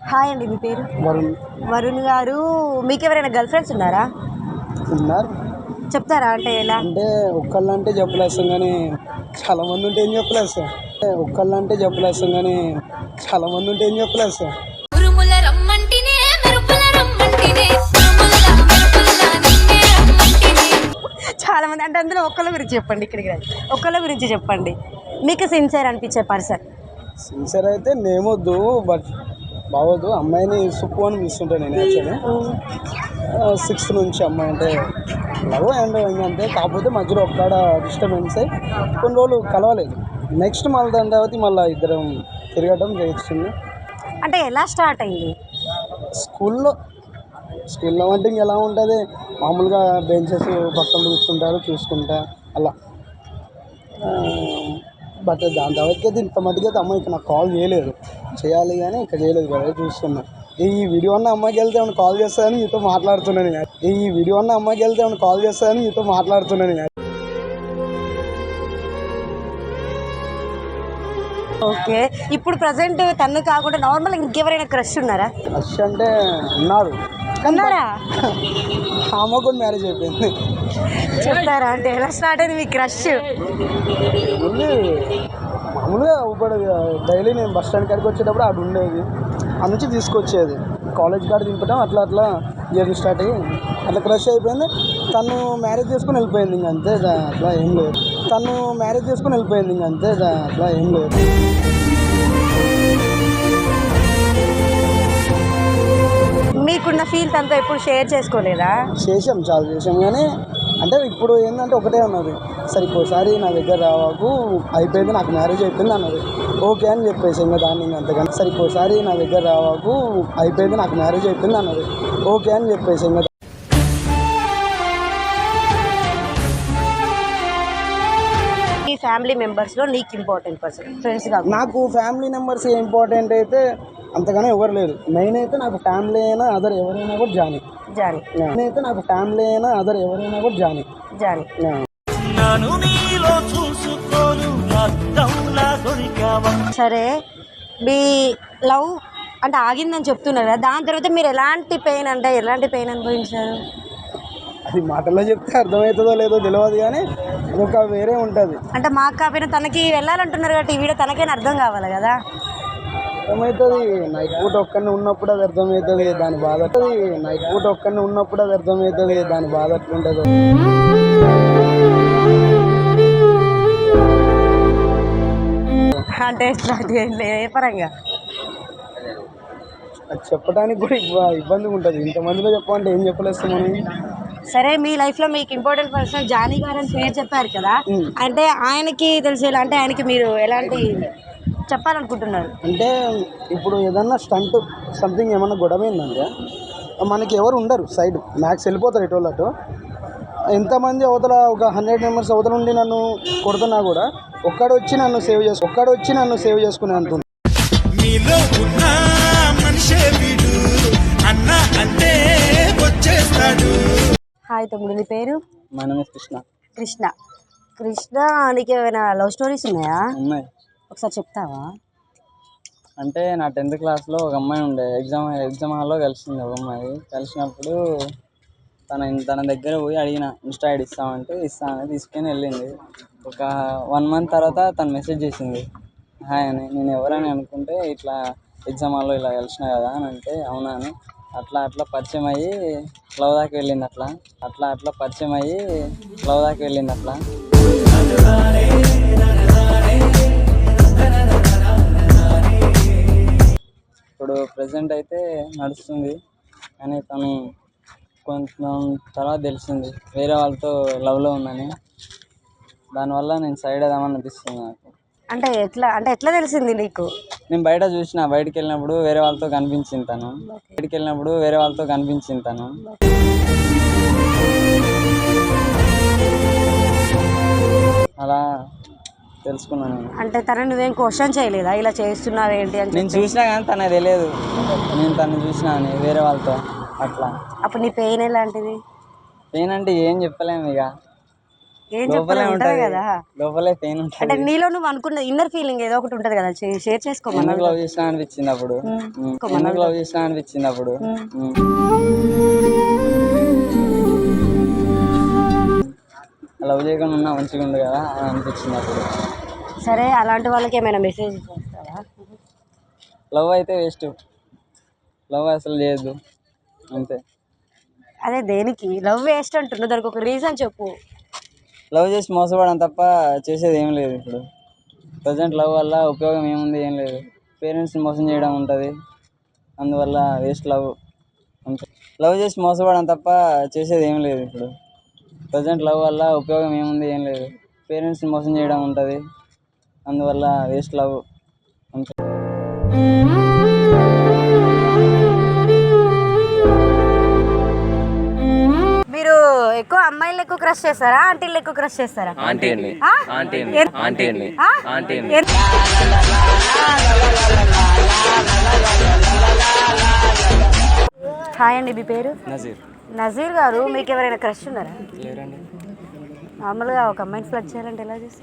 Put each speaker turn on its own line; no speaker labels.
Hi అండి, మీ పేరు?
వరుణ్.
వరుణ్ గారు, మీకు ఎవరైనా గర్ల్ ఫ్రెండ్స్ ఉన్నారా?
ఉన్నారు.
చెప్తారా అంటే ఎలా?
అంటే ఒక్కళ్ళంటే చెప్పలేస్తాం కానీ చాలా మంది ఉంటే ఏం చెప్పలేస్తాం. ఒక్కళ్ళంటే చెప్పలేస్తాం కానీ చాలా మంది ఉంటే ఏం చెప్పలేస్తాం.
చాలా మంది అంటే అందులో ఒక్కళ్ళ గురించి చెప్పండి. ఇక్కడికి ఒక్కళ్ళ గురించి చెప్పండి, మీకు సిన్సియర్ అనిపించే పర్సన్.
సిన్సియర్ అయితే నేమొద్దు, బట్ బాగోదు. అమ్మాయిని సుప్పు అని పిలుస్తుంటాను నేను. యాక్చువల్లీ 6th నుంచి అమ్మాయి అంటే లవ్ అండ్ అంతే. కాకపోతే మధ్యలో ఒక్కడ డిస్టర్బెన్స్ అయ్యి కొన్ని రోజులు కలవలేదు. నెక్స్ట్ మళ్ళీ దాని తర్వాత మళ్ళీ ఇద్దరం తిరగడం చేస్తుంది.
అంటే ఎలా స్టార్ట్ అయింది?
స్కూల్లో అంటే ఇంకెలా ఉంటుంది, మామూలుగా బెంచెస్ పక్కన కూర్చుంటారు చూసుకుంటా అలా. బట్ దాని తర్వాత అయితే ఇంత మటుకైతే అమ్మాయి ఇక నాకు కాల్ చేయలేదు. చేయాలి కానీ ఇంకా చేయలేదు కదా, చూస్తున్నా. ఈ వీడియో అన్న అమ్మాయికి వెళ్తే ఏమైనా కాల్ చేస్తానని మీతో మాట్లాడుతున్నాను.
ఓకే, ఇప్పుడు ప్రజెంట్ తను కాకుండా నార్మల్ ఇంకెవరైనా క్రష్ ఉన్నారా?
క్రష్ అంటే ఉన్నారు.
ఉన్నారా?
ఆమె కూడా మ్యారేజ్ అయిపోయింది.
చెప్తారా అంటే ఎలా స్టార్ట్ అయింది మీ క్రష్?
మామూలుగా ఇప్పుడు డైలీ నేను బస్ స్టాండ్ కాడికి వచ్చేటప్పుడు అటు ఉండేది, ఆ నుంచి తీసుకొచ్చేది. కాలేజ్ కాడ దింపడం అట్లా జర్నీ స్టార్ట్ అయ్యి అట్లా క్రష్ అయిపోయింది. తను మ్యారేజ్ చేసుకుని వెళ్ళిపోయింది. ఇంకంతే, అట్లా ఏం లేదు.
మీకున్న ఫీల్ తనతో ఎప్పుడు షేర్ చేసుకోలేదా?
చాలా చేసాం కానీ అంటే ఇప్పుడు ఏంటంటే ఒకటే ఉన్నది, సరే ఇంకోసారి నా దగ్గర రావాకు, అయిపోయింది నాకు మ్యారేజ్ అయిపోయింది అన్నది. ఓకే అని చెప్పేసి ఇంకా దాన్ని అంతకన్నా సరే ఇంకోసారి నా దగ్గర రావాకు, అయిపోయింది నాకు మ్యారేజ్ అయిపోయింది అన్నది. ఓకే అని చెప్పేసి ఇంకా
ఈ ఫ్యామిలీ మెంబర్స్లో నీకు ఇంపార్టెంట్ పర్సన్ ఫ్రెండ్స్ కాదు?
నాకు ఫ్యామిలీ మెంబర్స్ ఇంపార్టెంట్ అయితే అంతగానే ఎవరు లేరు. మెయిన్ అయితే నాకు ఫ్యామిలీ అయినా అదర్ ఎవరైనా కూడా జానీ.
సరే, మీ లవ్ అంటే ఆగిందని చెప్తున్నారు కదా, దాని తర్వాత మీరు ఎలాంటి పెయిన్ అనుభవించారు?
అది మాటల్లో చెప్తే అర్థమవుతుందో లేదో తెలియదు కానీ ఒక వేరే ఉంటుంది.
అంటే మాకు కాకపోయినా తనకి వెళ్ళాలంటున్నారు కాబట్టి ఈ వీడియో తనకైనా అర్థం కావాలి కదా.
అర్థమవుతుంది. నైట్ పూట ఒక్కడిని ఉన్నప్పుడు అది అర్థమవుతుంది దాని బాధ. ఎట్లుంటుందో.
అంటే ఏ పరంగా
అది చెప్పడానికి కూడా ఇబ్బందిగా ఉంటుంది. ఇంతమందిలో చెప్పాలంటే ఏం చెప్పలేస్తాం మనం.
సరే, మీ లైఫ్లో మీకు ఇంపార్టెంట్ పర్సన్ జానీ గారు అని పేరు చెప్పారు కదా, అంటే ఆయనకి తెలిసేలా అంటే ఆయనకి మీరు ఎలాంటి చెప్పాలనుకుంటున్నారు?
అంటే ఇప్పుడు ఏదన్నా స్టంట్ సంథింగ్ ఏమన్నా గొడవ ఏంటంటే మనకి ఎవరు ఉండరు, సైడ్ మ్యాక్స్ వెళ్ళిపోతారు ఎటోళ్ళటు. ఎంతమంది అవతల ఒక 100 మెంబర్స్ అవతల ఉండి నన్ను కొడుతున్నా కూడా ఒక్కడొచ్చి నన్ను సేవ్ చేసుకునే అంటుంది.
హాయ్ తమ్ముడు, నీ పేరు?
మా నేమ్
కృష్ణ. నీకు ఏమైనా లవ్ స్టోరీస్ ఉన్నాయా?
ఉన్నాయి.
ఒకసారి చెప్తావా?
అంటే నా 10th క్లాస్లో ఒక అమ్మాయి ఉండే, ఎగ్జామ్ హాల్లో కలిసింది ఒక అమ్మాయి. కలిసినప్పుడు తన దగ్గర పోయి అడిగిన, ఇన్స్టా ఐడి ఇస్తామంటే ఇస్తానని తీసుకొని వెళ్ళింది. ఒక 1 month తర్వాత తను మెసేజ్ చేసింది, హాయ్ అని. నేను ఎవరని అనుకుంటే ఇట్లా ఎగ్జామ్ హాల్లో ఇలా కలిసిన కదా అని అంటే, అవునా అని. అట్లా పరిచయం అయ్యి లవ్ దాకా వెళ్ళింది. ఇప్పుడు ప్రజెంట్ అయితే నడుస్తుంది కానీ తను కొంచెం తర్వాత తెలిసింది వేరే వాళ్ళతో లవ్లో ఉందని. దానివల్ల నేను సైడ్ అవుదామని అనిపిస్తుంది నాకు.
అంటే ఎట్లా తెలిసింది నీకు?
నేను బయటికి వెళ్ళినప్పుడు వేరే వాళ్ళతో కనిపించింది తను. అలా తెలుసుకున్నాను.
అంటే తను నువ్వేం క్వశ్చన్ చేయలేదా, ఇలా చేస్తున్నావు ఏంటి అని?
నేను చూసినా కానీ తనకు తెలియదు నేను తను చూసినా అని వేరే వాళ్ళతో అట్లా.
అప్పుడు నీ పెయిన్ ఎలాంటిది?
పెయిన్ అంటే ఏం చెప్పలేము. ఇక
ఏం
లోపలే
చెప్పాలి ఉంటది
ఉంటది
కదా.
లోపలే పెయిన్
అంటే
ఉంటుంది.
నీలో నువ్వు అనుకున్న ఇన్నర్ ఫీలింగ్ ఏదో ఒకటి ఉంటది కదా, షేర్ చేసుకోమన్నా.
ఎందుకు లవ్ చేసినా అనిపించింది అప్పుడు. ఎందుకు లవ్ చేసినా అనిపించింది అప్పుడు. లవ్ చేయకుండా ఉన్నా మంచిగా ఉంది కదా అని అనిపించింది అప్పుడు.
సరే, అలాంటి వాళ్ళకి ఏమైనా మెసేజ్ చేస్తావా?
లవ్ అయితే వేస్ట్, లవ్ అసలు చేయొద్దు అంతే.
అదే దేనికి లవ్ వేస్ట్ అంటున్నావు? దానికి ఒక రీజన్ చెప్పు.
లవ్ చేసి మోసపోవడం తప్ప చేసేది ఏం లేదు ఇప్పుడు. ప్రజెంట్ లవ్ వల్ల ఉపయోగం ఏముంది, ఏం లేదు. పేరెంట్స్ని మోసం చేయడం ఉంటుంది, అందువల్ల వేస్ట్ లవ్ అంతే. లవ్ చేసి మోసపోవడం తప్ప చేసేది ఏం లేదు ఇప్పుడు. ప్రజెంట్ లవ్ వల్ల ఉపయోగం ఏముంది, ఏం లేదు. పేరెంట్స్ని మోసం చేయడం ఉంటుంది, అందువల్ల వేస్ట్ లవ్ అంతే.
మీరు ఎక్కువ అమ్మాయిలు ఎక్కువ క్రష్ చేస్తారా, ఆంటీలు ఎక్కువ క్రష్ చేస్తారా? హాయ్ అండి, మీ పేరు?
నజీర్.
నజీర్ గారు, మీకు ఎవరైనా క్రష్ ఉన్నారా?
లేరండి.
నార్మల్గా ఒక అమ్మాయిని ఫ్లడ్ చేయాలంటే ఎలా చేస్తావు? ఎలా చేస్తావు?
అవును, మీరేంటి ఇక్కడ ఉన్నారు?
ఎక్కడ ఉంటారు మరి?
సాయంత్రం అయితే చందమామ పైన ఉండాలి కదా.
అబ్బో,
సాయంత్రం అయితే చందమామ పైన ఉండాలి కదా.
అబ్బో,